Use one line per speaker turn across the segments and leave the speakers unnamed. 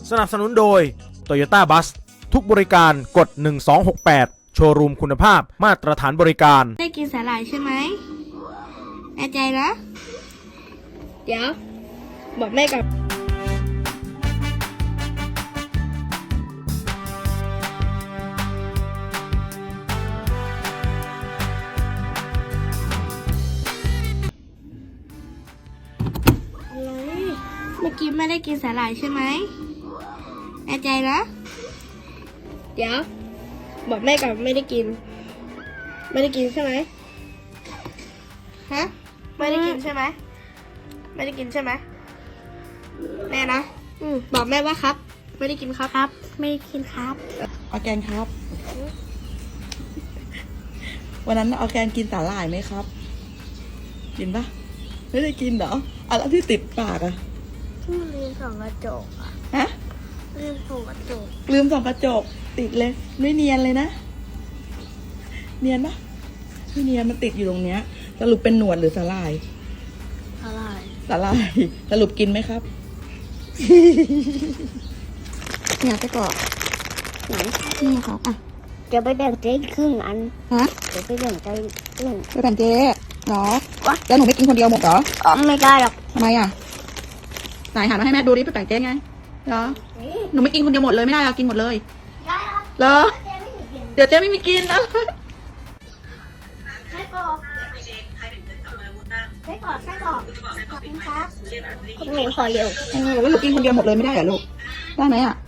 สนับสนุนโดย Toyota Bus ทุกบริการกด1268โชว์รูมคุณภาพมาตรฐานบริการ
ได้กินสาหร่ายใช่ไหมแน่ใจนะ เดี๋ยว บอกแม่กับอะไรเมื่อกี้ไม่ได้กินสาหร่ายใช่ไหมแน่ใจนะ เดี๋ยว บอกแม่กับไม่ได้กิน ไม่ได้กินใช่ไหมฮะไม่ได้กินใช่ไหมไม่ได้กินใช่ไหมแน่นะบอกแม่ว่าครับ ไม่ได้กินครับ ไม่ได้กินครับ
ออร์แกนครับ วันนั้นออร์แกนกินสาหร่ายไหมครับ กินปะไม่ได้กินเหรออะไรที่ติดปากอะ
ลืมส่องกระจกอ่ะ
ฮะ
ลืมส่องกระจก
ลืมส่องกระจกติดเลยไม่เนียนเลยนะเนียนปะไม่เนียนมันติดอยู่ตรงเนี้ยสรุปเป็นหนวดหรือสาหร่าย
อะไร
สาหร่ายสรุปกินไหมครับ
เนี่ยไปก่อน
ไหน
นี่ครับอ่ะ
จะไปแบ่งเจ๊ครึ่งอัน
ฮะ
จะไปแบ่งใจครึ่ง
ไปแบ่งเจ๊เหรอแล้วหนูไม่กินคนเดียวหมดเหรอ
ไม่ได้หรอก
ทำไมอ่ะไหนหันมาให้แม่ดูดิไปแบ่งเจ๊ไงเหรอหนูไม่กินคนเดียวหมดเลยไม่ได้เรากินหมดเลยเหรอเดี๋ยวเจ๊ไม่มีกินนะ
ไส้กรอกไส้กรอกไส้กรอกขอบคุณครับคุณหมิงขอเร็ว
แล้วหนูกินคนเดียวหมดเลยไม่ได้เหรอลูกได้ไหมอ่ะ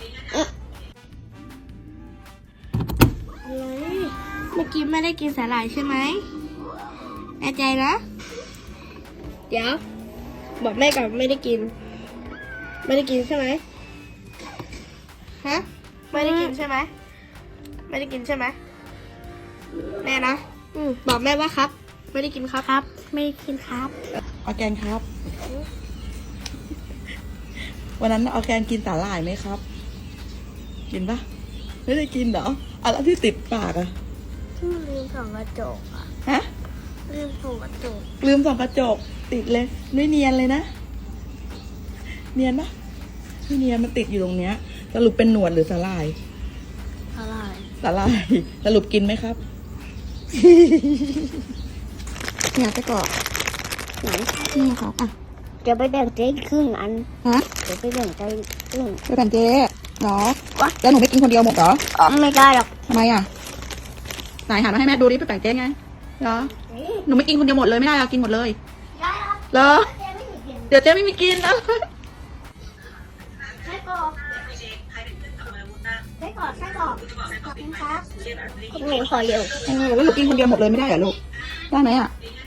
อะไรเมื่อกี้ไม่ได้กินสาหร่ายใช่ไหมแน่ใจนะ เดี๋ยว บอกแม่กับไม่ได้กิน ไม่ได้กินใช่ไหมฮะไม่ได้กินใช่ไหมไม่ได้กินใช่ไหมแน่นะบอกแม่ว่าครับ ไม่ได้กินครับ ไม่ได้กินครับ
ออร์แกนครับ วันนั้นออร์แกนกินสาหร่ายไหมครับ กินปะไม่ได้กินเหรออะไรที่ติดปากอะ
ลืมส่องกระจกอ่ะ
ฮะ
ลืมส่องกระจก
ลืมส่องกระจกติดเลยไม่เนียนเลยนะเนียนปะไม่เนียนมันติดอยู่ตรงเนี้ยสรุปเป็นหนวดหรือสาหร่าย
อะไร
สาหร่ายสรุปกินไหมครับ
เนี่ยไปก่อน
ไหน
นี่ครับอ่ะ
จะไปแบ่งเจ๊ครึ่งอัน
ฮะ
จะไปแบ่งใจครึ่ง
ไปแบ่งเจ๊เหรอแล้วหนูไม่กินคนเดียวหมดเหรอ
ไม่ได้หรอก
ทำไมอ่ะไหนหันมาให้แม่ดูดิไปแบ่งเจ๊ไงเหรอหนูไม่กินคนเดียวหมดเลยไม่ได้เรากินหมดเลยเหรอเดี๋ยวเจ๊ไม่มีกินนะ
ไส้กรอกไส้กรอกไส้กรอกขอบคุณครับคุณหมิงขอเร็ว
แล้วหนูกินคนเดียวหมดเลยไม่ได้เหรอลูกได้ไหมอ่ะ
ไ